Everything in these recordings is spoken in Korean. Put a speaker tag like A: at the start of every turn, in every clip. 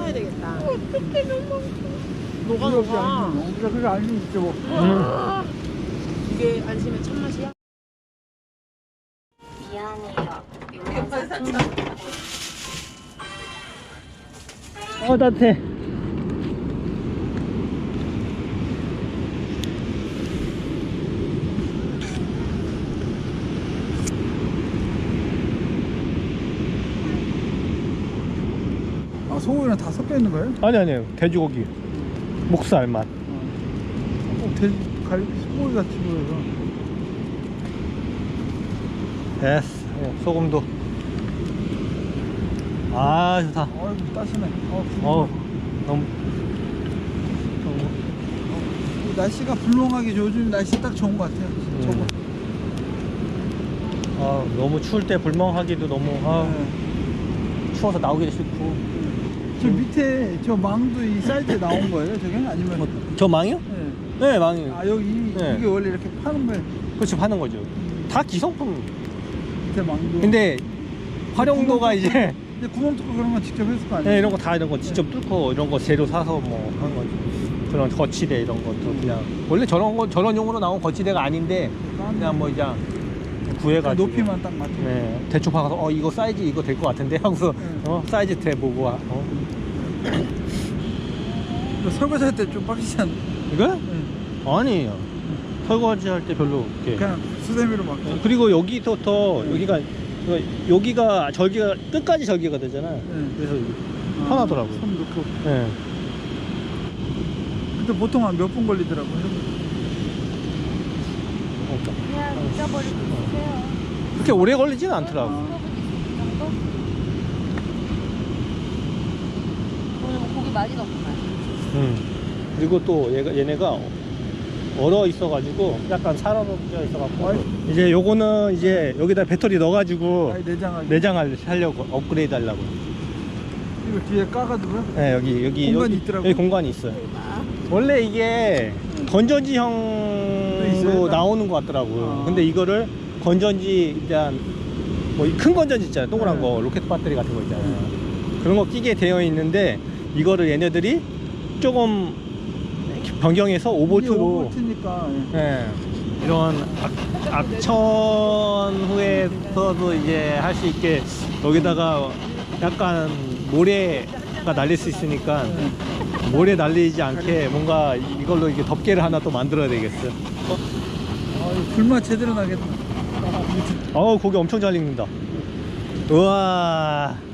A: 사야 되겠다.
B: 어떡해, 너무.
A: 녹아.
C: 그래 안심 있죠 뭐.
A: 이게 안심의 참맛이야?
B: 미안해요.
D: 따뜻해.
C: 아 소고기랑 다 섞여 있는 거예요?
D: 아니요 돼지고기 목살만.
C: 돼지 소고기 같이 보여서.
D: 됐어. 소금도. 아 좋다.
C: 아이고 따시네.
D: 어우 너무
C: 날씨가 불렁하게 요즘 날씨 딱 좋은 것 같아요. 저거.
D: 너무 추울 때 불멍하기도 너무
C: 네.
D: 추워서 나오기도 싫고.
C: 저 밑에 저 망도 이 사이즈에 나온 거예요? 저게 아니면?
D: 저 망이요?
C: 네.
D: 네 망이.
C: 아 여기
D: 네.
C: 이게 원래 이렇게 파는 거예요?
D: 그렇죠 파는 거죠. 다 기성품.
C: 밑에 망도.
D: 근데 활용도가 이제
C: 근데 구멍 뚫고 그런 건 직접 했을 거 아니에요?
D: 네, 이런 거 다 이런 거 직접 뚫고 이런 거 재료 사서 뭐 하는 거죠. 그런 거치대 이런 것도 그냥 원래 저런 용으로 나온 거치대가 아닌데 그냥 뭐 이제 구해가지고
C: 높이만 딱 맞춰.
D: 네, 대충 봐서 이거 사이즈 이거 될 것 같은데 하고서 사이즈 대 보고
C: 설거지 할 때 좀 빡치지 않나?
D: 이거?
C: 네.
D: 아니에요. 설거지 할 때 별로 이렇게.
C: 그냥 수세미로 막.
D: 그리고 여기부터 여기가 절개가 끝까지 절개가 되잖아요.
C: 네.
D: 그래서 편하더라고요.
C: 손 넣고.
D: 네.
C: 근데 보통 한 몇 분 걸리더라고요.
B: 그냥 잊어버리고 있으세요.
D: 그렇게 오래 걸리지는 않더라고.
B: 정도? 오늘 뭐 고기 많이 넣구만.
D: 그리고 또 얘네가 얼어 있어가지고 약간 살얼어져 있어갖고 이제 요거는 이제 여기다 배터리 넣어가지고
C: 아니 내장하기.
D: 내장을 하려고 업그레이드 하려고.
C: 이거 뒤에 까가지고요?
D: 네 여기
C: 공간이 있더라고요?
D: 여기 공간이 있어요. 원래 이게 건전지형으로
C: 있어요?
D: 나오는 것 같더라고요.
C: 아.
D: 근데 이거를 건전지 일단 뭐 큰 건전지 있잖아요. 동그란
C: 네.
D: 거 로켓 배터리 같은 거 있잖아요. 그런 거 끼게 되어 있는데 이거를 얘네들이 조금 변경해서 5V로
C: 5V니까.
D: 네, 이런 악천 후에서도 이제 할 수 있게 여기다가 약간 모래가 날릴 수 있으니까 모래 날리지 않게 뭔가 이걸로 이게 덮개를 하나 또 만들어야 되겠어요.
C: 이거 불맛 제대로 나겠다.
D: 고기 엄청 잘 익는다. 우와.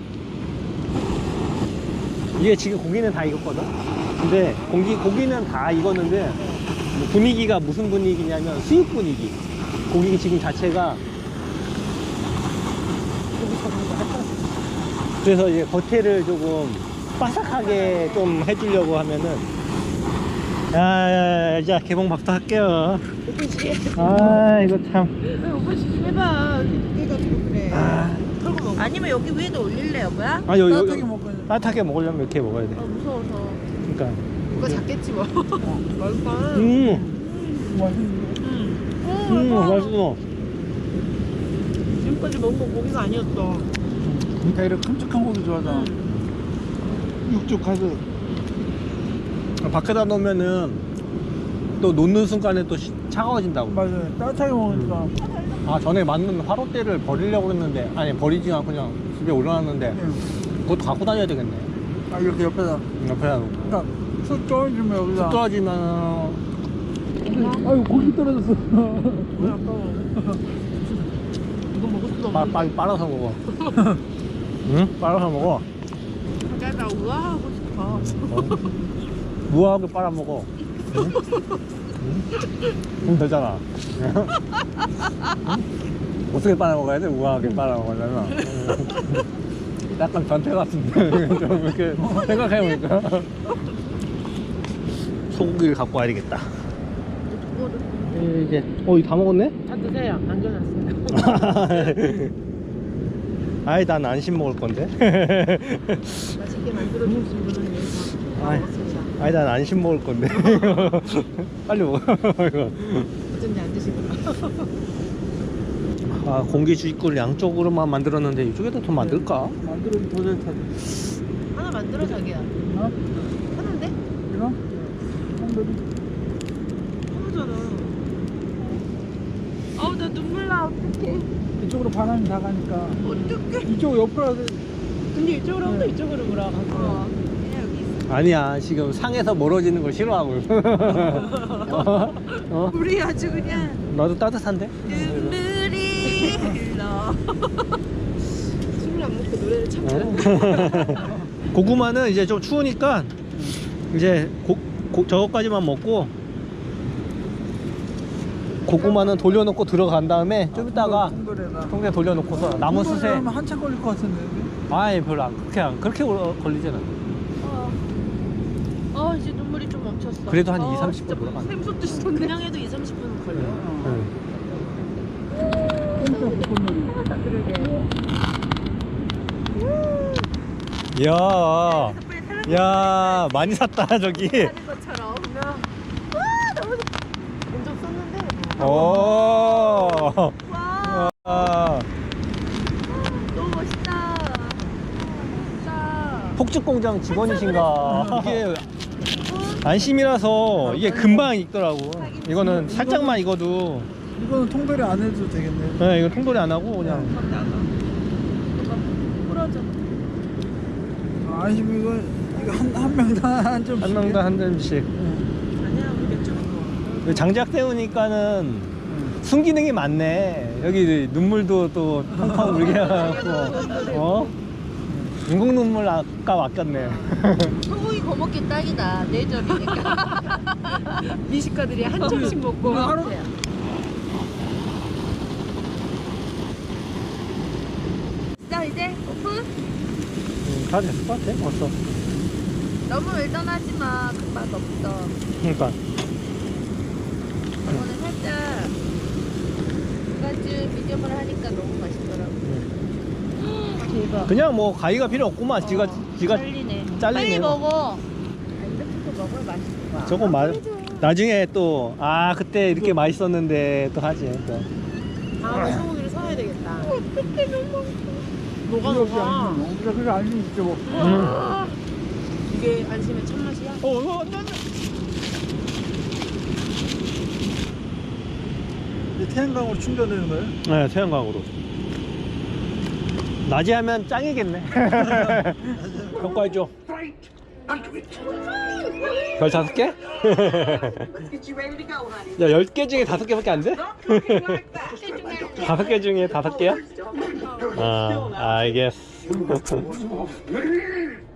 D: 이게 지금 고기는 다 익었거든. 근데 고기는 다 익었는데 분위기가 무슨 분위기냐면 수육 분위기. 고기 지금 자체가 그래서 이제 겉에를 조금 바삭하게 좀 해주려고 하면은 이제 개봉박도 할게요. 이거 참.
A: 오빠 좀 해봐. 두께가 그래. 아니면 여기 위에도 올릴래 여보야?
C: 따뜻하게 먹어야 돼.
D: 따뜻하게 먹으려면 이렇게 먹어야 돼.
A: 무서워서.
D: 그러니까.
A: 누가 작겠지 뭐. 맛있다.
D: 맛있어.
A: 지금까지 먹은 거 고기가 아니었어.
C: 그러니까 이렇게 큼직한 고기 좋아하잖아. 육즙 가득.
D: 밖에다 놓으면은 또 놓는 순간에 또 차가워진다고.
C: 맞아요. 따뜻하게 먹으니까.
D: 전에 만든 화롯대를 버리려고 했는데 버리지 않고 그냥 집에 올려놨는데 그것도 갖고 다녀야 되겠네.
C: 이렇게 옆에다.
D: 옆에다 놓고.
C: 그러니까 쑥 떨어지면 여기다.
D: 쑥 떨어지면
C: 아유 고기 떨어졌어.
A: 뭐야 아까워. 이거 먹을 수도 없는데.
D: 빨리 빨아서 먹어. 응? 빨아서 먹어.
A: 나 우아하고 싶어.
D: 무하게 빨아먹어. 응? 그럼 되잖아. 응? 어떻게 빨아먹어야 돼? 우아하게 빨아먹으려면. 약간 변태 같은데. 좀 이렇게 생각해보니까. 소고기를 갖고 와야겠다. 이제 이거 다 먹었네?
A: 다 드세요. 남겨놨어요.
D: 난 안심 먹을 건데.
A: 맛있게 만들어주신 분은 여기서 다 먹었습니다.
D: 난 안심 먹을 건데. 빨리 먹어. 이거.
A: 어쩐지 안 드시더라.
D: 아, 공기 주입구를 양쪽으로만 만들었는데 이쪽에다 더 만들까?
C: 만들어도 도저히 타지.
A: 하나 만들어 자기야.
C: 어?
A: 하는데?
C: 이거? 한돌이.
A: 하나잖아. 아우 나 눈물 나. 어떡해.
C: 이쪽으로 반환이 다 가니까.
A: 어떡해.
C: 이쪽 옆으로 하지.
A: 근데 이쪽으로 하면 이쪽으로 보라. 그냥 여기 있어.
D: 아니야, 지금 상에서 멀어지는 걸 싫어하고. 어?
A: 우리 아주 그냥
D: 나도 따뜻한데?
A: 눈물이 흘러. 술을 안 먹고 노래를 참 잘해.
D: 고구마는 이제 좀 추우니까 이제 저거까지만 먹고 고구마는 돌려놓고 들어간 다음에 좀 이따가
C: 통돌에다.
D: 통에 돌려놓고서 남은 수세.
C: 하면 한참 걸릴 것 같은데.
D: 아이 별로 안 그렇게 걸리잖아.
A: 이제 눈물이 좀 멈췄어.
D: 그래도 한 2-30분
A: 진짜
D: 돌아가네.
A: 샘솟듯이 솟네. 그냥 해도 2-30분 걸려.
D: 이야, 야 많이 샀다 저기.
A: 하는 것처럼. 너무 엄청 쏟는데.
D: 오.
A: 와, 너무 멋있다. 진짜.
D: 폭죽공장 직원이신가? 이게 안심이라서 이게 금방 익더라고. 이거는 살짝만 익어도.
C: 이거는 통돌이 안 해도 되겠네.
D: 네, 이거 통돌이 안 하고 그냥.
A: 부러져.
C: 아니면 이거 한 명당 한 점씩.
D: 한 명당 한 점씩.
A: 아니야, 우리 맥주 먹어.
D: 장작 때우니까는 순기능이 많네. 여기 눈물도 또 펑펑 물게 해갖고. 어? 인공 눈물 아까 아꼈네.
B: 소고기 거먹기 딱이다. 내절이니까.
A: 미식가들이 한 점씩 먹고.
C: 하루
B: 자 이제 오픈.
D: 다 됐을 것 같아. 벌써.
B: 너무 일단하지 마. 금방 없어.
D: 그러니까.
B: 이거는 살짝 중간쯤 미디엄으로 하니까 너무 맛있더라고. 대박.
D: 그냥 뭐 가위가 필요 없구만. 지가
B: 잘리네.
D: 잘리네.
B: 빨리 먹어. 이렇게 먹어야 맛있을 거야.
D: 저거 나중에 또 그때 이렇게 맛있었는데 또 하지 또.
A: 다음에 소고기를 사야 되겠다.
B: 어떡해 너무.
A: 녹아 녹아.
C: 우리가 그게 알리 있죠 뭐.
A: 이게 안심의 참맛이야?
C: 이제 태양광으로 충전되는 거예요?
D: 네, 태양광으로. 낮에 하면 짱이겠네. 평가해줘. 별 5개? 야, 10개 중에 5개밖에 안 돼? 5개 중에 5개야? 알겠어.